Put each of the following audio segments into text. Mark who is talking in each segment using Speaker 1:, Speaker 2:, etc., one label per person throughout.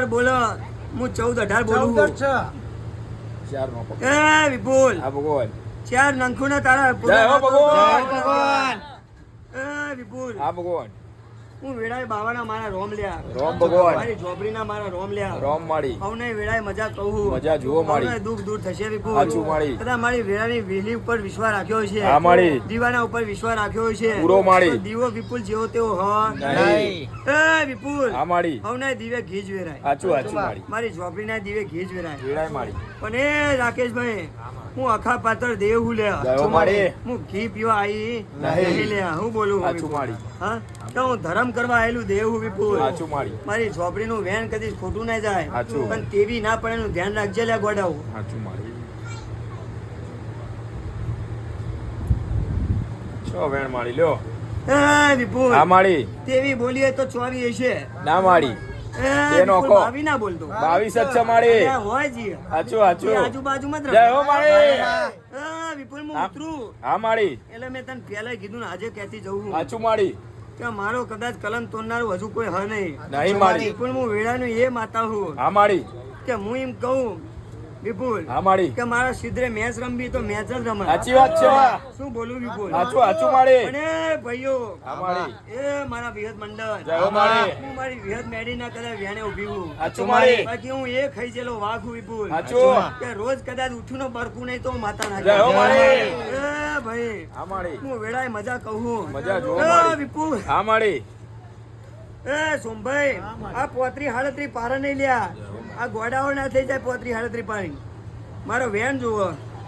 Speaker 1: ઉપર બોલો હું 14-18 બોલું
Speaker 2: 4 નો પકડ.
Speaker 1: એ વિપુલ
Speaker 2: હા ભગવાન.
Speaker 1: 4 નંખુના તારા
Speaker 2: જય હો ભગવાન.
Speaker 3: ભગવાન
Speaker 1: એ વિપુલ
Speaker 2: હા ભગવાન.
Speaker 1: હું વેળાએ બાવાના મારા રોમ લ્યા
Speaker 2: રોમ ભગવાન.
Speaker 1: મારી જોબરીના મારા રોમ લ્યા
Speaker 2: રોમ માળી.
Speaker 1: હવને વેળાએ મજા કહું
Speaker 2: મજા જુઓ માળી.
Speaker 1: હવને દુઃખ દૂર થશે વિપુલ
Speaker 2: સાચું માળી.
Speaker 1: કદાચ મારી વેળાની વેલી ઉપર વિશ્વાસ રાખ્યો છે
Speaker 2: હા માળી.
Speaker 1: દીવાના ઉપર વિશ્વાસ રાખ્યો છે
Speaker 2: પૂરો માળી.
Speaker 1: તો દીવો વિપુલ જેવો તેવો હ
Speaker 2: નહીં.
Speaker 1: એ વિપુલ
Speaker 2: હા માળી.
Speaker 1: હવને દીવે ઘી જ વેરાય
Speaker 2: સાચું માળી.
Speaker 1: મારી ઝોપડીના દીવે ઘી જ વેરાય
Speaker 2: વેળાય માળી.
Speaker 1: પણ એ રાકેશભાઈ હું અખા પાત્ર દેવ હું લે
Speaker 2: જય હો માળી.
Speaker 1: હું ઘી પીવા આવી
Speaker 2: નહીં.
Speaker 1: નહીં લે હું બોલું
Speaker 2: સાચું
Speaker 1: વિપુલ?
Speaker 2: માળી.
Speaker 1: હા તો હું ધર્મ કરવા આવેલું દેવ હું વિપુલ
Speaker 2: સાચું માળી.
Speaker 1: મારી ઝોપડીનું વેન કદી ખોટું ના જાય
Speaker 2: સાચું.
Speaker 1: પણ તેવી ના પડે એનું ધ્યાન રાખજે લે ગોડાઓ
Speaker 2: સાચું માળી. છો વેણ માળી લ્યો.
Speaker 1: એ વિપુલ
Speaker 2: હા માળી.
Speaker 1: તેવી બોલીએ તો 24 હશે
Speaker 2: ના માળી.
Speaker 1: એ
Speaker 2: તેનો
Speaker 1: વિપુલ
Speaker 2: કો.
Speaker 1: ભાવી ના બોલતો
Speaker 2: 22 જ છે માળી.
Speaker 1: અરે હોય જી
Speaker 2: સાચું
Speaker 1: એ
Speaker 2: સાચું.
Speaker 1: આજુબાજુમાં જ
Speaker 2: જય
Speaker 1: રહો.
Speaker 2: હો માળી.
Speaker 1: એ વિપુલ હું
Speaker 2: હા.
Speaker 1: ઉતરું
Speaker 2: હા માળી.
Speaker 1: એટલે મેં તને પહેલા કીધું ને આજે ક્યાંથી જવું હું
Speaker 2: સાચું માળી.
Speaker 1: કે મારો કદાચ કલમ તોડનારું હજુ કોઈ હ નહીં
Speaker 2: નહીં માળી.
Speaker 1: વિપુલ હું વેળાનું એ માતા હું
Speaker 2: હા માળી.
Speaker 1: કે હું એમ કહું વિપુલ
Speaker 2: હા માળી.
Speaker 1: કે મારા સિદ્ધરે મેચ રમવી તો મેચ જ રમે
Speaker 2: સાચી વાત છે.
Speaker 1: શું બોલું વિપુલ
Speaker 2: સાચું માળી.
Speaker 1: અને ભાઈઓ
Speaker 2: હા માળી.
Speaker 1: એ મારા વિહત મંડળ
Speaker 2: જય હો માળી.
Speaker 1: હું મારી વિહત મેડી ના કદાચ વ્યાને ઉભી હું
Speaker 2: સાચું માળી.
Speaker 1: બાકી હું એ ખાઈ ગયેલો વાઘ હું વિપુલ
Speaker 2: સાચું.
Speaker 1: કે રોજ કદાચ ઉઠું નો બરકું નહીં તો હું માતા ના
Speaker 2: જય હો માળી.
Speaker 1: એ ભાઈ
Speaker 2: હા માળી.
Speaker 1: હું વેળાએ મજા કહું
Speaker 2: મજા જુઓ
Speaker 1: એ
Speaker 2: માળી.
Speaker 1: વિપુલ
Speaker 2: હા માળી.
Speaker 1: એ સોમભાઈ આ 35-38 પારા નહીં લ્યા આ ગોડાઓ ના થઈ જાય 35-38 પાણી મારો વેન જુઓ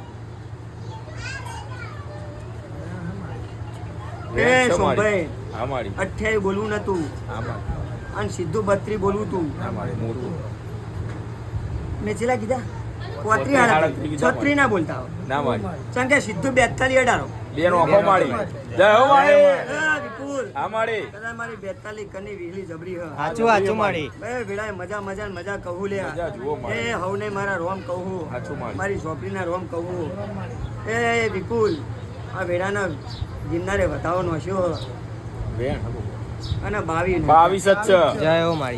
Speaker 1: એ સોમભાઈ
Speaker 2: હા માળી.
Speaker 1: 28 બોલવું નતું
Speaker 2: હા માળી.
Speaker 1: અને સીધું 32 બોલવું તું
Speaker 2: હા માળી. મોટું.
Speaker 1: મેં છેલ્લા કીધા
Speaker 2: 35
Speaker 1: 36 ના બોલતા હો
Speaker 2: ના માળી.
Speaker 1: કારણ કે સીધું 42 અડારો
Speaker 2: બે નો આખો માળી. જય હો માળી.
Speaker 1: એ વિપુલ
Speaker 2: હા માળી.
Speaker 1: કદાચ મારી 42 કની વીહલી જબરી હ
Speaker 3: સાચું સાચું માળી
Speaker 1: બે વેળાએ મજા મજા ને મજા કહું લે
Speaker 2: મજા જુઓ માળી.
Speaker 1: એ હવને મારા રોમ કહું
Speaker 2: સાચું માળી.
Speaker 1: મારી ઝોપડીના રોમ કહું એ વિપુલ આ વેળાના ગિરનારે વધાવો નોશ્યો
Speaker 2: વેણ.
Speaker 1: અને 22
Speaker 2: 22 જ છે.
Speaker 3: જય હો માળી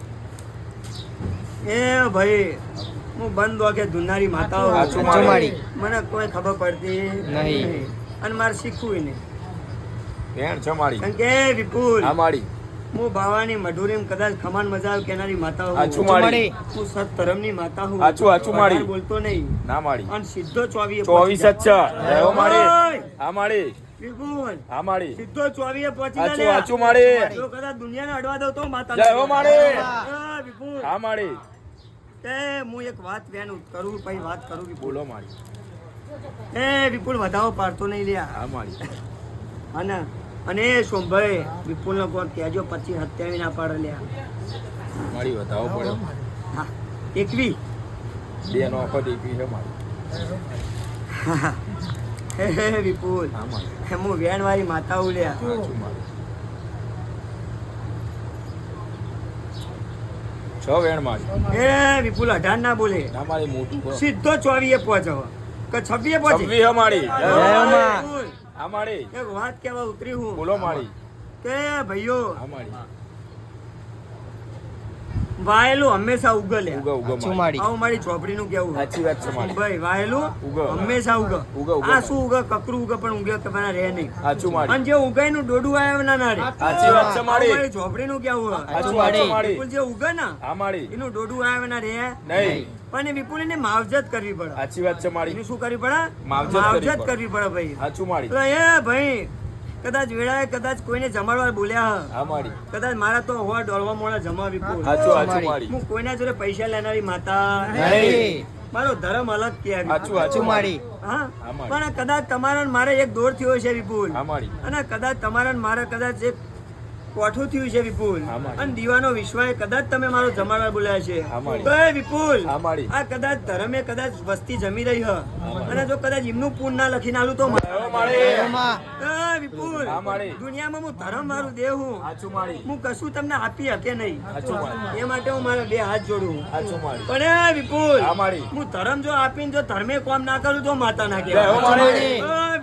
Speaker 1: એ ભાઈ હું બંધ વાગે ધુનારી માતાઓ
Speaker 2: સાચું
Speaker 3: સાચું માળી
Speaker 1: મને કોઈ ખબર પડતી
Speaker 3: નહીં.
Speaker 1: અને મારે શીખવું નહીં
Speaker 2: વેણ છે માળી.
Speaker 1: કારણ કે વિપુલ
Speaker 2: હા માળી.
Speaker 1: હું બાવાની મઢુરી કદાચ ખમાન મજા આવે કેનારી માતા હું
Speaker 2: સાચું માળી.
Speaker 1: હું સત ધર્મની માતા હું
Speaker 2: સાચું માળી.
Speaker 1: વધારે બોલતો નહીં
Speaker 2: ના માળી.
Speaker 1: અને સીધો 24
Speaker 2: 24 જ છે. જય હો માળી. હા માળી.
Speaker 1: વિપુલ
Speaker 2: હા માળી.
Speaker 1: સીધો 24 પહોંચી
Speaker 2: સાચું સાચું માળી.
Speaker 1: જો કદાચ દુનિયાને અડવા દઉં તો માતા
Speaker 2: જય હો માળી.
Speaker 1: એ વિપુલ
Speaker 2: હા માળી.
Speaker 1: તે હું એક વાત બેન કરું પછી વાત કરું વિપુલ
Speaker 2: બોલો માળી.
Speaker 1: એ વિપુલ વધાવો પાડતો નહીં લ્યા
Speaker 2: હા માળી.
Speaker 1: અને અને સોમભાઈ વિપુલ નો કોણ કહેજો 25-27 ના પાડે લ્યા
Speaker 2: માળી વધાવો પડ્યો.
Speaker 1: હા 21
Speaker 2: બે નો આખો દેખી છે માળી.
Speaker 1: હે વિપુલ
Speaker 2: હા માળી.
Speaker 1: હું વેણ વાળી માતા ઉલ્યા
Speaker 2: સાચું માળી. છ વેણ માળી.
Speaker 1: એ વિપુલ 18 ના બોલે
Speaker 2: ના માળી. મોટું કરો.
Speaker 1: સીધો 24 પહોંચો કે 26 પહોંચી
Speaker 2: 26 માળી. જય હો
Speaker 3: જય હો
Speaker 2: માળી.
Speaker 3: માં.
Speaker 1: વિપુલ,
Speaker 2: હા માળી.
Speaker 1: એક વાત કેવા ઉતરી હું
Speaker 2: બોલો માળી.
Speaker 1: કે ભાઈઓ
Speaker 2: હા માળી.
Speaker 1: વાયેલું હંમેશા ઉગલે
Speaker 2: ઉગો ઉગો
Speaker 3: સાચું
Speaker 2: માળી.
Speaker 3: માળી
Speaker 1: આવું મારી ચોપડીનું કેવું
Speaker 2: સાચી વાત છે માળી.
Speaker 1: ભાઈ વાયેલું
Speaker 2: ઉગે.
Speaker 1: હંમેશા ઉગે
Speaker 2: ઉગે, ઉગે.
Speaker 1: આ શું ઉગે કકરું ઉગે પણ ઉગે કે મને રહે નહીં
Speaker 2: સાચું માળી.
Speaker 1: અને જે ઉગાય નું ડોડું આવે ના ના રે
Speaker 2: સાચી વાત છે માળી.
Speaker 1: મારી ચોપડીનું કેવું
Speaker 2: સાચું સાચું માળી.
Speaker 1: વિપુલ જે ઉગે ને
Speaker 2: હા માળી.
Speaker 1: એનું ડોડું આવે ના રે
Speaker 2: નહીં.
Speaker 1: પણ એ વિપુલ એને માવજત કરવી પડે
Speaker 2: સાચી વાત છે માળી.
Speaker 1: એને શું કરવી પડે
Speaker 2: માવજત કરવી પડે.
Speaker 1: કરવી પડે ભાઈ
Speaker 2: સાચું માળી.
Speaker 1: તો એ ભાઈ કદાચ વેળાએ કદાચ કોઈને જમાડવા બોલ્યા હ.
Speaker 2: હા માળી.
Speaker 1: કદાચ મારા તો હોવા ડોલવા મોડા જમા વિપુલ
Speaker 2: સાચું સાચું માળી.
Speaker 1: હું કોઈના જોડે પૈસા લેનારી માતા
Speaker 3: નહીં.
Speaker 1: મારો ધર્મ અલગ કહેવાય
Speaker 2: સાચું
Speaker 3: સાચું માળી
Speaker 1: હા
Speaker 2: હા માળી.
Speaker 1: પણ કદાચ તમારા ને મારે એક દોર થયો છે વિપુલ
Speaker 2: હા માળી.
Speaker 1: અને કદાચ તમારા ને મારે કદાચ એક કોઠું થયું છે વિપુલ
Speaker 2: હા માળી.
Speaker 1: અને દીવાનો વિશ્વાએ કદાચ તમે મારો જમાડવા બોલ્યા છે
Speaker 2: હા માળી.
Speaker 1: તો એ વિપુલ
Speaker 2: હા માળી.
Speaker 1: આ કદાચ ધર્મે કદાચ વસ્તી જમી રહી હ
Speaker 2: માળી.
Speaker 1: અને જો કદાચ એમનું પૂન ના લખીને આલું તો
Speaker 2: જય હો માળી.
Speaker 3: માં.
Speaker 1: એ વિપુલ
Speaker 2: હા માળી.
Speaker 1: દુનિયામાં હું ધર્મ મારું દેવ હું
Speaker 2: સાચું માળી.
Speaker 1: હું કશું તમને આપી શકે નહીં
Speaker 2: સાચું માળી.
Speaker 1: એ માટે હું મારા બે હાથ જોડું
Speaker 2: સાચું માળી.
Speaker 1: પણ એ વિપુલ
Speaker 2: હા માળી.
Speaker 1: હું ધર્મ જો આપીને જો ધર્મે કોમ ના કરું તો માતા ના
Speaker 2: જય હો
Speaker 1: કહેવાય
Speaker 2: માળી.
Speaker 1: વિપુલ હું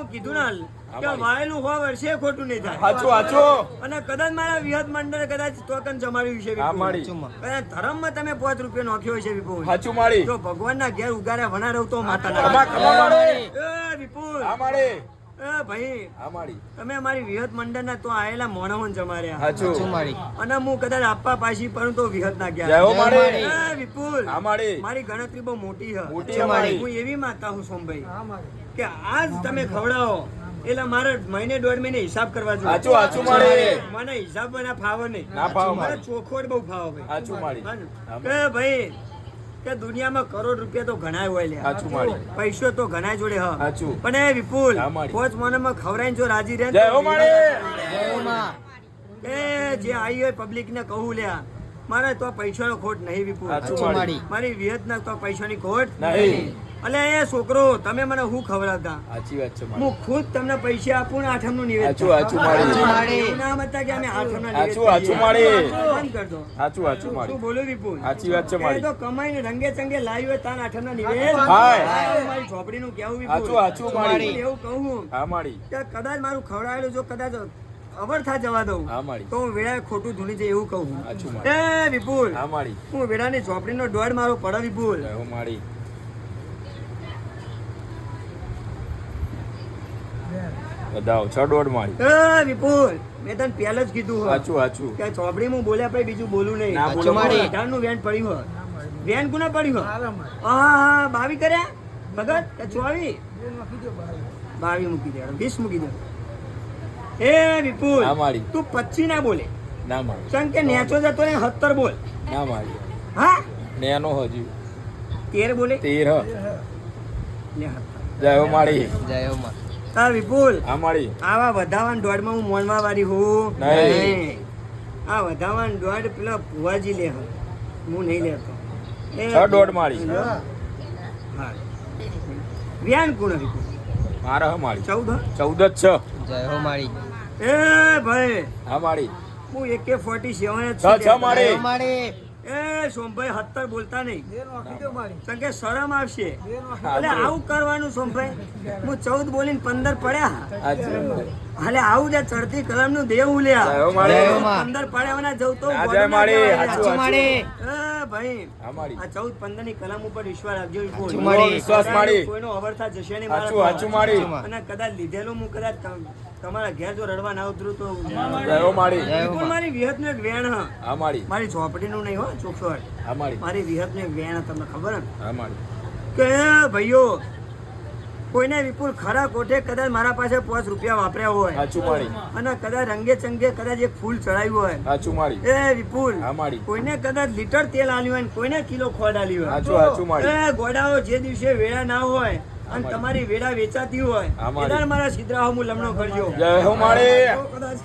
Speaker 1: કીધું ને કે
Speaker 2: મારી.
Speaker 1: વાયેલું 100 વર્ષે ખોટું નહીં થાય
Speaker 2: હાચું હાચું
Speaker 1: અને કદાચ મારા વિહત મંડળે કદાચ ટોકન જમાડ્યું છે
Speaker 2: હા મારી
Speaker 1: કદાચ ધર્મમાં તમે 5 રૂપિયા નાખ્યો છે વિપુલ
Speaker 2: હાચું મારી
Speaker 1: જો ભગવાનના ઘેર ઉગારે વના રહું તો માતા
Speaker 2: ખમા ખમા મારી
Speaker 1: એ વિપુલ
Speaker 2: હા મારી
Speaker 1: એ ભાઈ
Speaker 2: હા મારી
Speaker 1: તમે અમારી વિહત મંડળના તો આયેલા મોણોને જમાડ્યા
Speaker 2: હાચું
Speaker 3: મારી
Speaker 1: અને હું કદાચ આપવા પાછી પણ તો વિહત ના
Speaker 2: જય
Speaker 1: ગયા
Speaker 2: હો મારી
Speaker 1: એ વિપુલ
Speaker 2: હા મારી
Speaker 1: મારી ગણતરી બહુ મોટી છે
Speaker 2: મોટી છે મારી.
Speaker 1: હું એવી માતા હું સોમભાઈ કે આજ તમે ખવડાવો એટલે મારે મહિને 1.5 મહિને હિસાબ કરવા જોઈએ
Speaker 2: હાચું હાચું મારી
Speaker 1: મને હિસાબ ના ફાવે નહીં
Speaker 2: ના ફાવે
Speaker 1: મને
Speaker 2: મારી.
Speaker 1: ચોખવટ બહુ ફાવે ભાઈ
Speaker 2: હાચું મારી
Speaker 1: હા ને?
Speaker 2: હા
Speaker 1: કે ભાઈ કે દુનિયામાં કરોડ રૂપિયા તો ઘણાય હોય લ્યા.
Speaker 2: હાચું મારી
Speaker 1: પૈસો તો ઘણાય જોડે હ
Speaker 2: હાચું.
Speaker 1: પણ એ વિપુલ
Speaker 2: હા મારી.
Speaker 1: પોચ મનમાં ખવડાવીને જો રાજી રહે ને
Speaker 2: જય
Speaker 1: તો
Speaker 2: હો મારી
Speaker 3: જય હો માં
Speaker 1: એ જે આવી હોય પબ્લિક ને કહું લ્યા મારે તો પૈસાનો ખોટ નહીં વિપુલ
Speaker 2: હાચું
Speaker 3: હાચું
Speaker 2: મારી
Speaker 3: મારી
Speaker 1: મારી વિહત ના તો પૈસાની ખોટ
Speaker 2: નહીં.
Speaker 1: અલે એ છોકરો તમે મને હું ખવડાવતા
Speaker 2: સાચી વાત છે મારી
Speaker 1: હું ખુદ તમને પૈસા આપું ને આઠમનું નિવેદ
Speaker 2: હાચું હાચું મારી
Speaker 3: મારી.
Speaker 1: એવું ના હતા કે અમે આઠમના નિવેદ
Speaker 2: હાચું, હાચું મારી.
Speaker 1: બંધ કર દો
Speaker 2: સાચું હાચું મારી
Speaker 1: શું બોલું વિપુલ
Speaker 2: સાચી વાત છે
Speaker 1: એ
Speaker 2: મારી
Speaker 1: તો કમાઈને રંગે ચંગે લાવી હોય તાન આઠમના નિવેદ
Speaker 2: હાય.
Speaker 1: મારી ઝોપડીનું કેવું વિપુલ
Speaker 2: હાચું હાચું મારી
Speaker 1: એવું કહું
Speaker 2: હા મારી
Speaker 1: કે કદાચ મારું ખવડાવેલું જો કદાચ અવરથા જવા દઉં
Speaker 2: હા મારી
Speaker 1: તો હું વેળાએ ખોટું ધૂણી જાય એવું કહું
Speaker 2: હાચું મારી
Speaker 1: એ વિપુલ
Speaker 2: હા મારી
Speaker 1: હું વેળાની ઝોપડીનો દોડ મારો પડે વિપુલ
Speaker 2: જય હો મારી બધાઓ 6.5 મારી
Speaker 1: એ વિપુલ મેં તને પહેલા જ કીધું હોય
Speaker 2: હાચું હાચું
Speaker 1: કે ચોપડી હું બોલ્યા પછી બીજું બોલું નહીં
Speaker 2: ના
Speaker 3: બોલો મારી.
Speaker 1: અઢારનું વેન પડ્યું હોય વેન કોને પડ્યું હોય હા 22 કર્યા ભગત કે 24 22 મૂકી દે 20 મૂકી દે એ વિપુલ
Speaker 2: હા મારી
Speaker 1: તું 25 ના બોલે
Speaker 2: ના મારી
Speaker 1: ચમ કે નેચો જતો ને 70 બોલ
Speaker 2: ના મારી
Speaker 1: હા
Speaker 2: નેનો હજી
Speaker 1: 13 બોલે
Speaker 2: 13
Speaker 1: લે 17.
Speaker 2: જય હો મારી
Speaker 3: જય હો માં
Speaker 1: હા વિપુલ
Speaker 2: હા મારી
Speaker 1: આવા વધાવાન દોડમાં હું મોનવા વાળી હું
Speaker 2: નહીં.
Speaker 1: આ વધાવાન દોડ પેલા ભુવાજી લે હે. હું નહીં લેતો એ
Speaker 2: 6.5 મારી
Speaker 1: હા વ્યાન કોણ વિપુલ
Speaker 2: મારા હા મારી
Speaker 1: 14
Speaker 2: 14 જ
Speaker 3: જય હો મારી
Speaker 1: એ ભાઈ
Speaker 2: હા મારી
Speaker 1: હું AK-47 જ
Speaker 2: 6
Speaker 1: છું.
Speaker 2: મારી.
Speaker 3: જય હો મારી
Speaker 1: એ સોમભાઈ 17 બોલતા નહીં કારણ કે શરમ આવશે એટલે
Speaker 2: હાચું.
Speaker 1: આવું કરવાનું સોમભાઈ હું 14 બોલીને 15 પડ્યા
Speaker 2: હાચું.
Speaker 1: હાલે આવું જે ચડતી કલમ નું દેવ ઉલ્યા
Speaker 2: જય હો મારી.
Speaker 3: જય હો માં.
Speaker 1: 15 પડ્યાવાના જવું તો
Speaker 2: હા, જય
Speaker 1: ગોળના
Speaker 2: મારી.
Speaker 1: કહેવાય.
Speaker 2: હાચું,
Speaker 3: હાચું મારી
Speaker 1: એ ભાઈ
Speaker 2: હા મારી
Speaker 1: આ 14-15 ની કલમ ઉપર વિશ્વાસ રાખજો વિપુલ.
Speaker 3: હાચું મારી.
Speaker 2: વિશ્વાસ મારી.
Speaker 1: કોઈનો અવરથા જશે નહીં
Speaker 2: હાચું
Speaker 1: મારા
Speaker 2: હાચું મારી
Speaker 3: હાચું.
Speaker 1: અને કદાચ લીધેલું હું કદાચ તમારા ઘેર જો રડવા ના ઉતરું તો
Speaker 2: જય હો મારી
Speaker 3: જય હો
Speaker 1: વિપુલ
Speaker 3: માં.
Speaker 1: મારી વિહત નું એક વેણ હ
Speaker 2: હા મારી
Speaker 1: મારી ઝોપડીનું નહીં હો ચોખવટ
Speaker 2: હા મારી
Speaker 1: મારી વિહત નું એક વેણ હ, તમને ખબર હે
Speaker 2: હા મારી
Speaker 1: કે ભાઈઓ કોઈને વિપુલ ખરા કોઠે કદાચ મારા પાસે 5 રૂપિયા વાપર્યા હોય
Speaker 2: હાચું મારી
Speaker 1: અને કદાચ રંગે ચંગે કદાચ એક ફૂલ ચડાવ્યું હોય
Speaker 2: હાચું મારી
Speaker 1: એ વિપુલ
Speaker 2: હા મારી
Speaker 1: કોઈને કદાચ લીટર તેલ આલ્યું હોય ને કોઈને કિલો ખોડ આલ્યું હોય
Speaker 2: હાચું હાચું મારી
Speaker 1: એ ગોડાઓ જે દિવસે વેળા ના હોય અને
Speaker 2: મારી.
Speaker 1: તમારી વેળા વેચાતી હોય
Speaker 2: હા મારી.
Speaker 1: એદાર મારા સિદ્રાઓ હું લમણો કરજો
Speaker 2: જય હો મારી
Speaker 1: તો કદાચ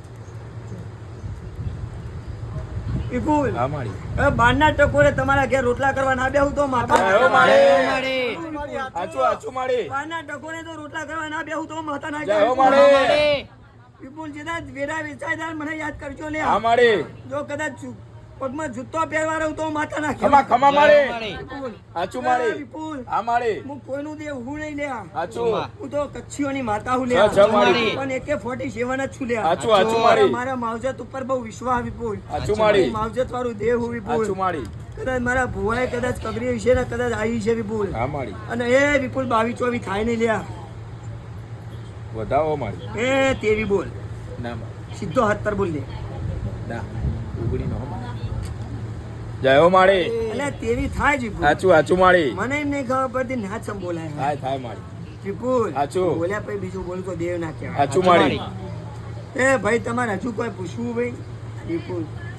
Speaker 1: વિપુલ
Speaker 2: હા મારી
Speaker 1: એ બારના ટકોરે તમારા ઘેર રોટલા કરવા ના બેહું તો માતા
Speaker 2: જય હો
Speaker 3: જય
Speaker 2: મારી
Speaker 3: હો મારી
Speaker 2: હાચું હાચું મારી
Speaker 1: બારના ટકોરે તો રોટલા કરવા ના બેહું તો માતા ના
Speaker 2: જય હો
Speaker 1: કહેવાય.
Speaker 2: મારી.
Speaker 3: મારી
Speaker 1: વિપુલ જેદા વેળા વેચાય ત્યારે મને યાદ કરજો લે
Speaker 2: હા મારી
Speaker 1: જો કદાચ પગમાં જૂતો પહેરવા રહું તો માતા ના
Speaker 2: ખમા
Speaker 1: કહેવાય.
Speaker 2: ખમા
Speaker 3: જય
Speaker 2: મારી
Speaker 3: હો મારી
Speaker 1: વિપુલ
Speaker 2: હાચું
Speaker 1: એ
Speaker 2: મારી
Speaker 1: વિપુલ
Speaker 2: હા મારી
Speaker 1: હું કોઈનું દેવ હું નહીં લે
Speaker 2: હાચું
Speaker 1: હું તો કચ્છીઓની માતા હું લે
Speaker 2: જય જય મારી
Speaker 1: પણ AK-47 જ છું લે
Speaker 2: હાચું હાચું મારી
Speaker 1: મારા માવજત ઉપર બહુ વિશ્વાસ વિપુલ
Speaker 2: હાચું મારી
Speaker 1: માવજત વાળું દેવ હું
Speaker 2: હાચું
Speaker 1: વિપુલ
Speaker 2: મારી
Speaker 1: કદાચ મારા ભુવાએ કદાચ કગરી છે ને કદાચ આવી છે વિપુલ
Speaker 2: હા મારી
Speaker 1: અને એ વિપુલ 22-24 થાય નહીં લ્યા
Speaker 2: વધાવો મારી
Speaker 1: એ તેવી બોલ
Speaker 2: ના મારી
Speaker 1: સીધો 17 બોલ દે
Speaker 2: ના ઉગડી નો જય હો મારી
Speaker 1: એટલે તેવી થાય જ વિપુલ
Speaker 2: હાચું હાચું મારી
Speaker 1: મને એમ નહીં ખબર પડતી ના ચમ બોલાય
Speaker 2: થાય થાય મારી
Speaker 1: વિપુલ
Speaker 2: હાચું.
Speaker 1: બોલ્યા પછી બીજું બોલું તો દેવ ના કહેવાય
Speaker 2: હાચું મારી
Speaker 1: એ ભાઈ તમારે હજુ કોઈ પૂછવું ભાઈ વિપુલ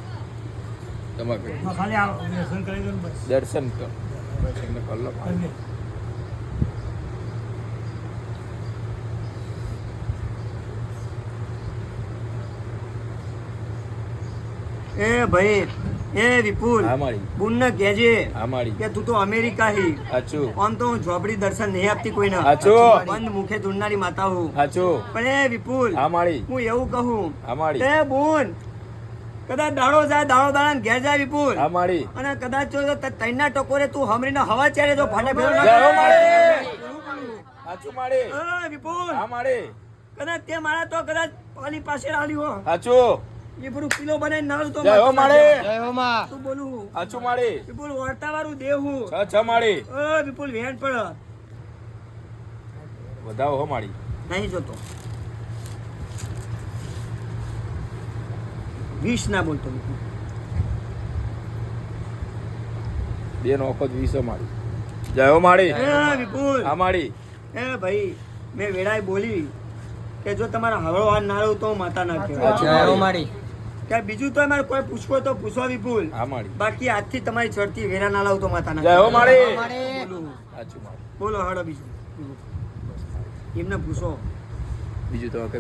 Speaker 2: તમારે દર્શન કર દર્શન કર લો
Speaker 1: એ ભાઈ એ વિપુલ
Speaker 2: હા મારી
Speaker 1: બુનને કહેજે
Speaker 2: હા મારી
Speaker 1: કે તું તો અમેરિકા હી
Speaker 2: હાચું
Speaker 1: આમ તો હું ઝોપડી દર્શન નહીં આપતી કોઈને
Speaker 2: હાચું.
Speaker 1: બંધ મુખે ધૂળનારી માતા હું
Speaker 2: હાચું
Speaker 1: પણ એ વિપુલ
Speaker 2: હા મારી
Speaker 1: હું એવું કહું
Speaker 2: હા મારી
Speaker 1: એ બોન કદાચ દાડો જાય દાડો દાડા ઘેર જાય વિપુલ
Speaker 2: હા મારી
Speaker 1: અને કદાચ જો તૈના ટકોરે તું હમરીને હવા ચારે જો ફાટે ફેરો ના
Speaker 2: જય હો મારી. સાચું માળી
Speaker 1: અ, વિપુલ
Speaker 2: હા માળી
Speaker 1: કદાચ તે મારા તો કદાચ પાલી પાસે આલ્યું હો
Speaker 2: સાચું
Speaker 1: એ બધું કિલો બનાવીને નાળું તો
Speaker 2: જય હો માળી
Speaker 3: જય હો માં
Speaker 1: શું બોલું
Speaker 2: સાચું માળી
Speaker 1: વિપુલ વર્તા વાળું દેવ હું
Speaker 2: છ માળી
Speaker 1: વિપુલ વેણ પડ
Speaker 2: વધાવો હો માળી
Speaker 1: નહીં જોતો 20 ના બોલતો વિપુલ.
Speaker 2: બે નો વખત 20 માળી જય હો માળી
Speaker 1: વિપુલ
Speaker 2: હા માળી
Speaker 1: ભાઈ મેં વેળાએ બોલી કે જો તમારા હળો હાર નાળું તો માતા ના કહેવાય.
Speaker 3: જય હો માળી
Speaker 1: કે બીજું તો અમારે કોઈ પૂછવો તો પૂછવા વિપુલ
Speaker 2: હા માળી
Speaker 1: બાકી આજથી તમારી ચડતી વેરા ના લાવ તો માતા ના
Speaker 2: જય હો
Speaker 1: કહેવાય.
Speaker 2: માળી
Speaker 1: બોલું.
Speaker 2: સાચું માળી
Speaker 1: બોલો હળો બીજું એમને પૂછો
Speaker 2: બીજું તો